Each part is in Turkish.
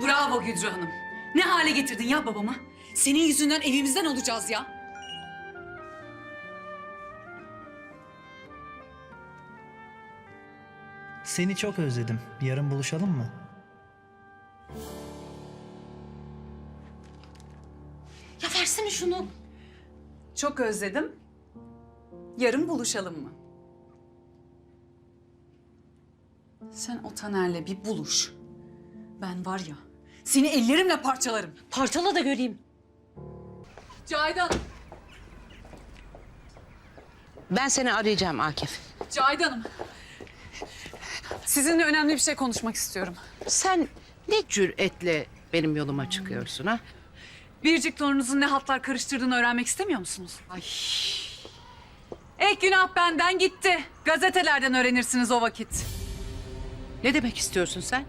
Bravo Güdrü Hanım. Ne hale getirdin ya babamı? Senin yüzünden evimizden olacağız ya. Seni çok özledim. Yarın buluşalım mı? Ya versene şunu. Çok özledim. Yarın buluşalım mı? Sen o Taner'le bir buluş. Ben var ya, seni ellerimle parçalarım. Parçala da göreyim. Cahidan, Ben seni arayacağım Akif. Cahidan'ım. Sizinle önemli bir şey konuşmak istiyorum. Sen ne cüretle benim yoluma çıkıyorsun ha? Biricik torununuzun ne hatlar karıştırdığını öğrenmek istemiyor musunuz? Ay. Günah benden gitti. Gazetelerden öğrenirsiniz o vakit. Ne demek istiyorsun sen?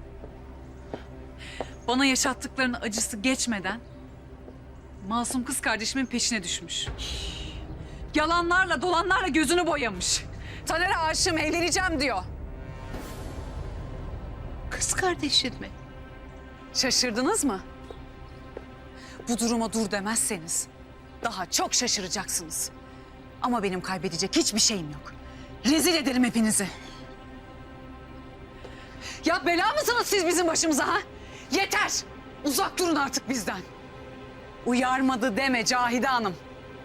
Bana yaşattıklarının acısı geçmeden masum kız kardeşimin peşine düşmüş. Yalanlarla, dolanlarla gözünü boyamış. Taner'e aşığım, evleneceğim diyor. Kız kardeşin mi? Şaşırdınız mı? Bu duruma dur demezseniz daha çok şaşıracaksınız. Ama benim kaybedecek hiçbir şeyim yok. Rezil ederim hepinizi. Ya bela mısınız siz bizim başımıza ha? Yeter! Uzak durun artık bizden. Uyarmadı deme Cahide Hanım.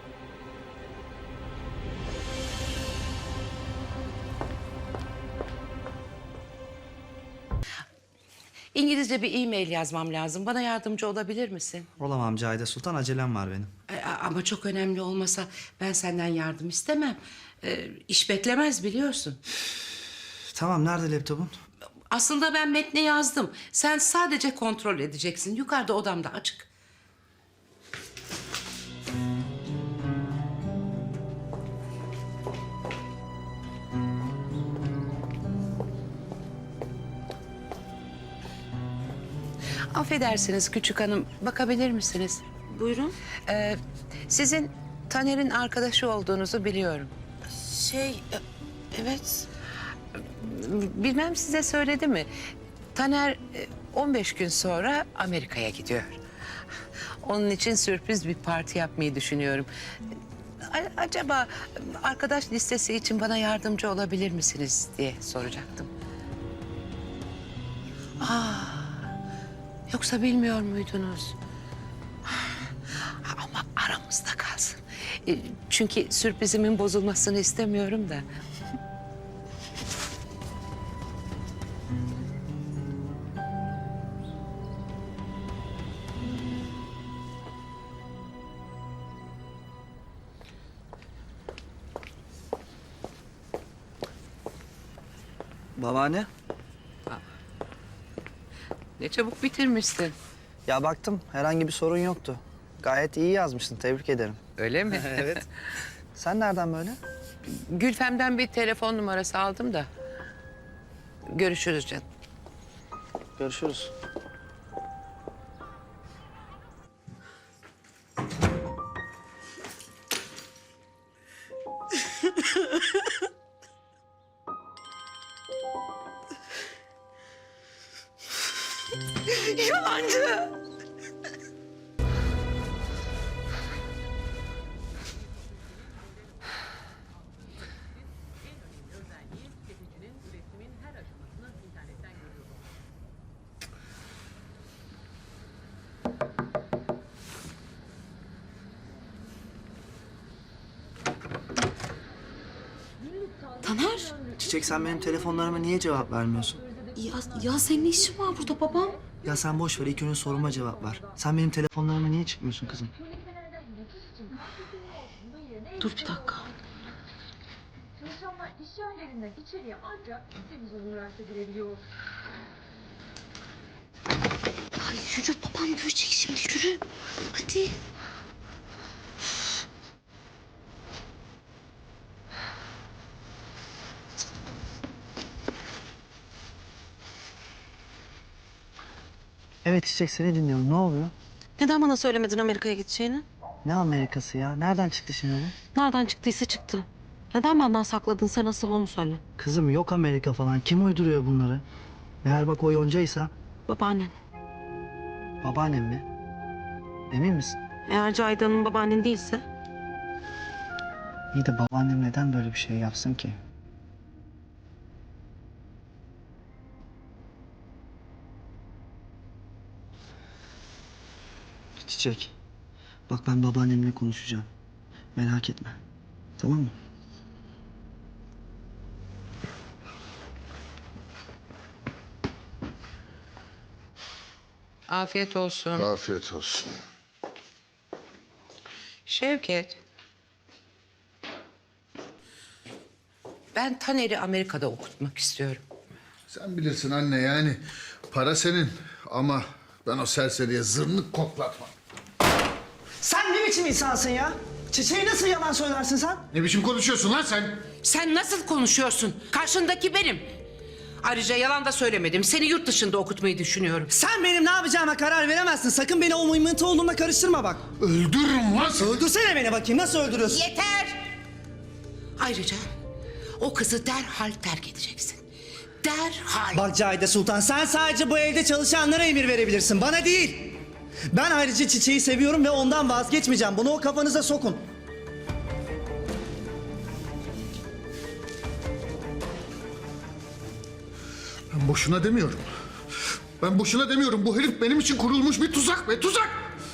İngilizce bir e-mail yazmam lazım. Bana yardımcı olabilir misin? Olamam Cahide Sultan, acelem var benim. Ama çok önemli olmasa ben senden yardım istemem. İş beklemez biliyorsun. Tamam, nerede laptopun? Aslında ben metni yazdım. Sen sadece kontrol edeceksin. Yukarıda odamda açık. Affedersiniz küçük hanım, bakabilir misiniz? Buyurun. Sizin Taner'in arkadaşı olduğunuzu biliyorum. Evet. Bilmem size söyledi mi? Taner 15 gün sonra Amerika'ya gidiyor. Onun için sürpriz bir parti yapmayı düşünüyorum. Acaba arkadaş listesi için bana yardımcı olabilir misiniz diye soracaktım. Yoksa bilmiyor muydunuz? Ama aramızda kalsın. Çünkü sürprizimin bozulmasını istemiyorum da. Babaanne? Ne çabuk bitirmişsin. Ya baktım, herhangi bir sorun yoktu. Gayet iyi yazmışsın, tebrik ederim. Öyle mi? Evet. Sen nereden böyle? Gülfem'den bir telefon numarası aldım da. Görüşürüz canım. Görüşürüz. Yalancı! Taner. Çiçek, sen benim telefonlarıma niye cevap vermiyorsun? Ya senin ne işin var burada babam? Ya sen boş ver, ilk önce soruma cevap ver. Sen benim telefonlarıma niye çıkmıyorsun kızım? Dur bir dakika. Çalışanlar iş yerlerinden içeriye ancak televizyon üniversite girebiliyor. Ay yürü babam görecek şimdi yürü. Hadi. Evet Çiçek, seni dinliyorum. Ne oluyor? Neden bana söylemedin Amerika'ya gideceğini? Ne Amerikası ya? Nereden çıktı şimdi bu? Nereden çıktıysa çıktı. Neden benden sakladın sen asıl onu söyle. Kızım yok Amerika falan. Kim uyduruyor bunları? Eğer bak o yoncaysa... Babaannen. Babaannem mi? Emin misin? Eğer Cahidan'ın babaannen değilse? İyi de babaannem neden böyle bir şey yapsın ki? Çiçek, bak ben babaannemle konuşacağım. Merak etme. Tamam mı? Afiyet olsun. Afiyet olsun. Şevket. Ben Taner'i Amerika'da okutmak istiyorum. Sen bilirsin anne yani. Para senin ama ben o serseriye zırnık koklatmam. Sen ne biçim insansın ya? Çiçeği nasıl yalan söylersin sen? Ne biçim konuşuyorsun lan sen? Sen nasıl konuşuyorsun? Karşındaki benim. Ayrıca yalan da söylemedim. Seni yurt dışında okutmayı düşünüyorum. Sen benim ne yapacağıma karar veremezsin. Sakın beni o mıymıntı oğlumla karıştırma bak. Öldürürüm lan seni. Öldürsene beni bakayım. Nasıl öldürüyorsun? Yeter! Ayrıca o kızı derhal terk edeceksin. Derhal. Bak Cahide Sultan, sen sadece bu evde çalışanlara emir verebilirsin. Bana değil. Ben ayrıca Çiçeği seviyorum ve ondan vazgeçmeyeceğim. Bunu o kafanıza sokun. Ben boşuna demiyorum. Ben boşuna demiyorum. Bu herif benim için kurulmuş bir tuzak be, tuzak!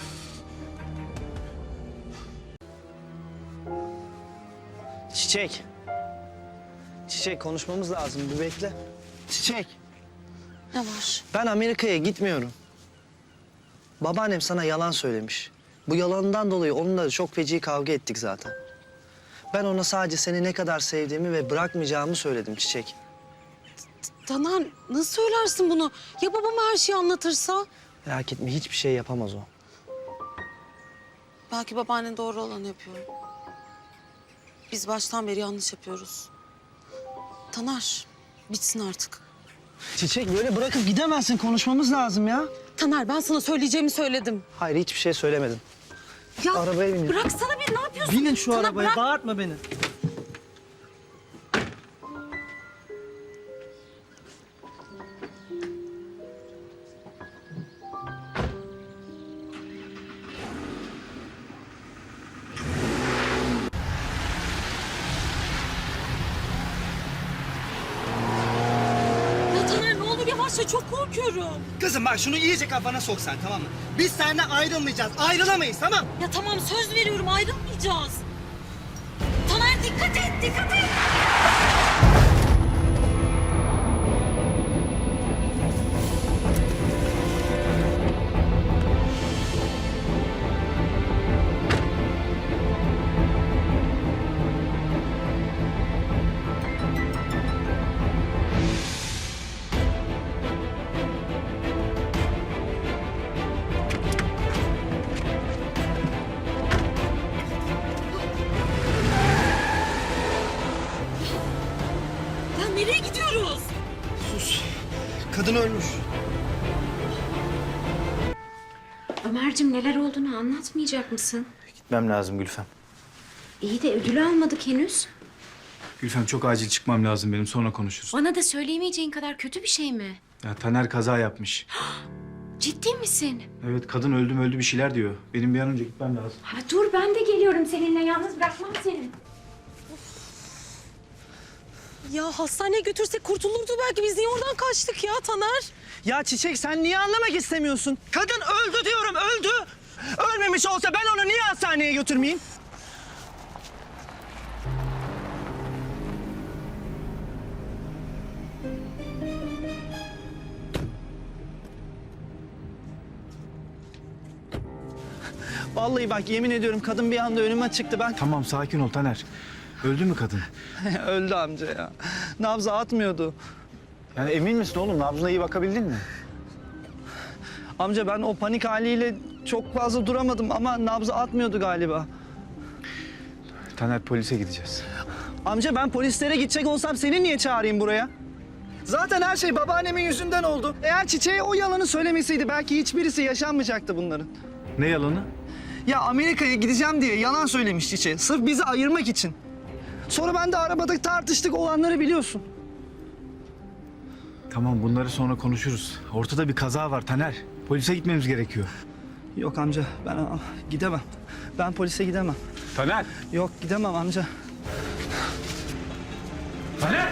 Çiçek. Çiçek, konuşmamız lazım. Bir bekle. Çiçek. Ne var? Ben Amerika'ya gitmiyorum. Babaannem sana yalan söylemiş. Bu yalanından dolayı onunla çok feci kavga ettik zaten. Ben ona sadece seni ne kadar sevdiğimi ve bırakmayacağımı söyledim Çiçek. Taner nasıl söylersin bunu? Ya babam her şeyi anlatırsa? Merak etme, hiçbir şey yapamaz o. Belki babaannen doğru olanı yapıyor. Biz baştan beri yanlış yapıyoruz. Taner bitsin artık. Çiçek, böyle bırakıp gidemezsin. Konuşmamız lazım ya. Taner ben sana söyleyeceğimi söyledim. Hayır, hiçbir şey söylemedim. Ya Arabaya binin. bıraksana bir, ne yapıyorsun? Binin şu Taner, arabaya, bırak. bağırtma beni. Ya Taner ne olur yavaşla, çok korkuyorum. Kızım bak, şunu iyice kafana sok sen, tamam mı? Biz seninle ayrılmayacağız, ayrılamayız, tamam? Ya tamam söz veriyorum, ayrılmayacağız. Taner dikkat et, dikkat et. Ya nereye gidiyoruz? Kadın ölmüş. Ömerciğim neler olduğunu anlatmayacak mısın? Gitmem lazım Gülfem. İyi de ödülü almadık henüz. Gülfem çok acil çıkmam lazım benim, sonra konuşuruz. Bana da söyleyemeyeceğin kadar kötü bir şey mi? Ya Taner kaza yapmış. Ciddi misin? Evet, kadın öldü bir şeyler diyor. Benim bir an önce gitmem lazım. Ha, dur ben de geliyorum seninle, yalnız bırakmam seni. Ya hastaneye götürsek kurtulurdu belki. Biz niye oradan kaçtık ya Taner? Ya Çiçek, sen niye anlamak istemiyorsun? Kadın öldü diyorum, öldü. Ölmemiş olsa ben onu niye hastaneye götürmeyeyim? Vallahi bak, yemin ediyorum kadın bir anda önüme çıktı. Ben Tamam, sakin ol Taner. Öldü mü kadın? öldü amca ya. Nabzı atmıyordu. Yani emin misin oğlum? Nabzına iyi bakabildin mi? Amca ben o panik haliyle çok fazla duramadım ama nabzı atmıyordu galiba. Taner, polise gideceğiz. Amca ben polislere gidecek olsam seni niye çağırayım buraya? Zaten her şey babaannemin yüzünden oldu. Eğer Çiçeğe o yalanı söylemeseydi belki hiçbirisi yaşanmayacaktı bunların. Ne yalanı? Ya Amerika'ya gideceğim diye yalan söylemiş Çiçeğe. Sırf bizi ayırmak için. Sonra ben de arabada tartıştık, olanları biliyorsun. Tamam, bunları sonra konuşuruz. Ortada bir kaza var Taner. Polise gitmemiz gerekiyor. Yok amca ben gidemem. Ben polise gidemem. Taner! Yok gidemem amca. Taner!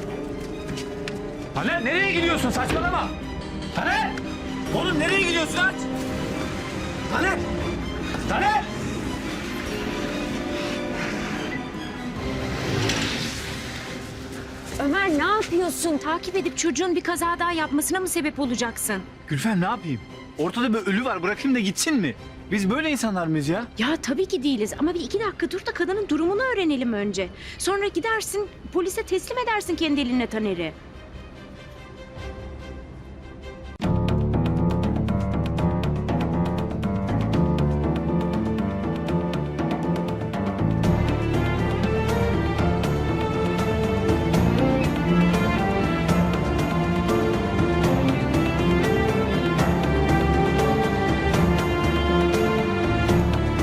Taner nereye gidiyorsun? Saçmalama! Taner! Oğlum nereye gidiyorsun? Aç! Taner! Taner! Ömer ne yapıyorsun? Takip edip çocuğun bir kaza daha yapmasına mı sebep olacaksın? Gülfem ne yapayım? Ortada bir ölü var, bırakayım da gitsin mi? Biz böyle insanlar mıyız ya? Ya tabii ki değiliz ama bir 2 dakika dur da kadının durumunu öğrenelim önce. Sonra gidersin polise teslim edersin kendi eline Taner'i.